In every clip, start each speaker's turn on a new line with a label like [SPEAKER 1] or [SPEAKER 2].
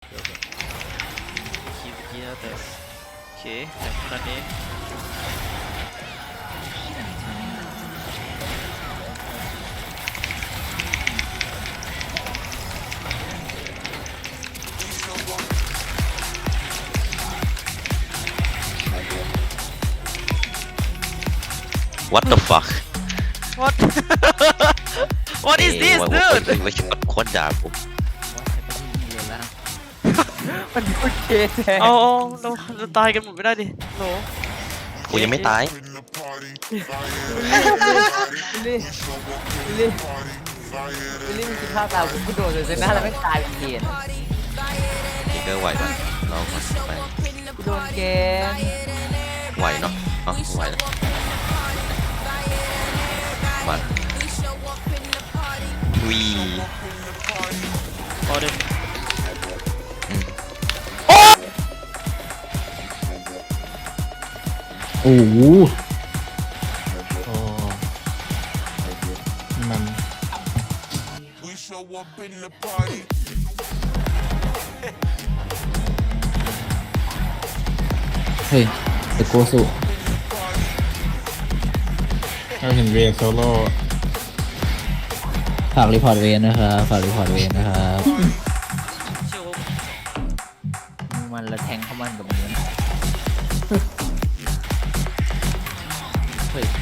[SPEAKER 1] คิดเมื่อกี้แล้วแต่โอเคแต่ขนาดนี้
[SPEAKER 2] What the fuck
[SPEAKER 1] what what is this
[SPEAKER 2] ไม่
[SPEAKER 1] dude
[SPEAKER 2] ไม่ชอบโคตรด่าผม
[SPEAKER 3] มันโอเคแท้
[SPEAKER 1] เอาเราตายกันหมดไม่ได้ดิโห
[SPEAKER 2] กูยังไม่ตาย
[SPEAKER 3] วิลลี่วิลลี่วิลลี่มันคิดภาพตามกูโดนเลยหน้าแล้วไม่ตายเป็นเกณฑ์
[SPEAKER 2] นี่ก็ไหวปะเราไป
[SPEAKER 3] กูโดนเกณฑ์
[SPEAKER 2] ไหวเนาะเอาไหวแล้วมาวี
[SPEAKER 1] พอเด็ก
[SPEAKER 4] โอ้โหโอ้มัน เฮ้ยเดโกสุเราเห็นเวย์โซโล่ฝากรีพอร์ตเวย์นะครับฝากรีพอร์ตเวย์นะครับ
[SPEAKER 1] เชื่อว่า
[SPEAKER 3] มันละแทงเข้ามันกับมันนะเฮ้ย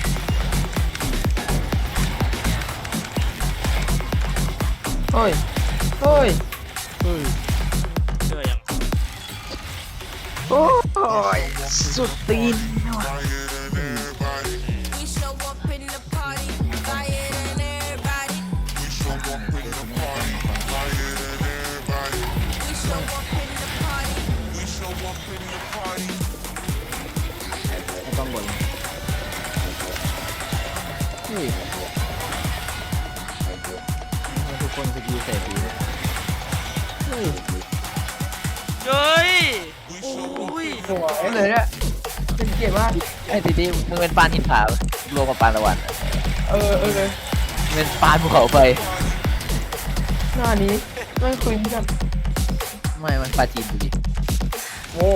[SPEAKER 3] โอ้ยโอ้ย
[SPEAKER 1] เชื่อยัง
[SPEAKER 3] โอ้ยสุดตีนว่ะ
[SPEAKER 5] We show up in the party, fire than everybody. We show up in the party, fire than everybody. We show up in the party, we show up in the party.
[SPEAKER 3] ไม่ต้องบ่นเฮ้ยทำไมทุกคนสกิลใส่ผีเลยเฮ้ย
[SPEAKER 1] เฮ้ยโอ้ย
[SPEAKER 3] หัวไอ้เลยเนี่ยเป็นเกียรติมากไอ้ทีนี้มึงเป็นปานหินผารวมกับปานตะวันอะเลยเป็นปานภูเขาไฟ
[SPEAKER 6] หน้านี้ไม่คุยกัน
[SPEAKER 3] ไม่มันปลาจีนดูดิ
[SPEAKER 6] โว้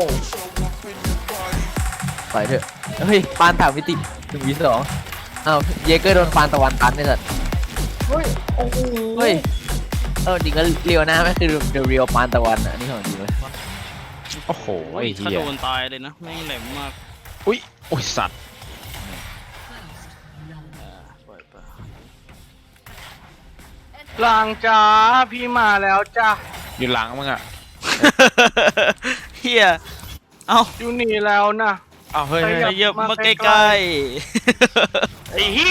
[SPEAKER 3] ปล่อยเถอะเฮ้ยปานถามมิติ1v2อ้าวเยเกอร์โดนปานตะวันตันไม่สัตว์
[SPEAKER 6] เฮ้ย โอ้โห
[SPEAKER 3] เฮ้ยจริงก็เรียวนะไม่คือ the real ปานตะวันอ่ะนี่ของจริงเลย
[SPEAKER 4] โอ้โหไอ้
[SPEAKER 1] ถ้า
[SPEAKER 4] เหี้ย
[SPEAKER 1] โดนตายเลยนะแม่งแหลมมาก
[SPEAKER 4] อุ้ยโอ้ยสัตว์
[SPEAKER 1] ปล่อยไป
[SPEAKER 7] หลังจ้าพี่มาแล้วจ้า
[SPEAKER 4] อยู่หลังมึงอ่ะ
[SPEAKER 1] เฮียเอา
[SPEAKER 7] อยู่นี่แล้วนะ
[SPEAKER 4] อ้าวเฮ้ย
[SPEAKER 7] ไป
[SPEAKER 4] เฮ้ย
[SPEAKER 7] ครั
[SPEAKER 1] เยอะมาใก
[SPEAKER 7] มาใกล้
[SPEAKER 1] ล้
[SPEAKER 7] ไอ้เหี้ย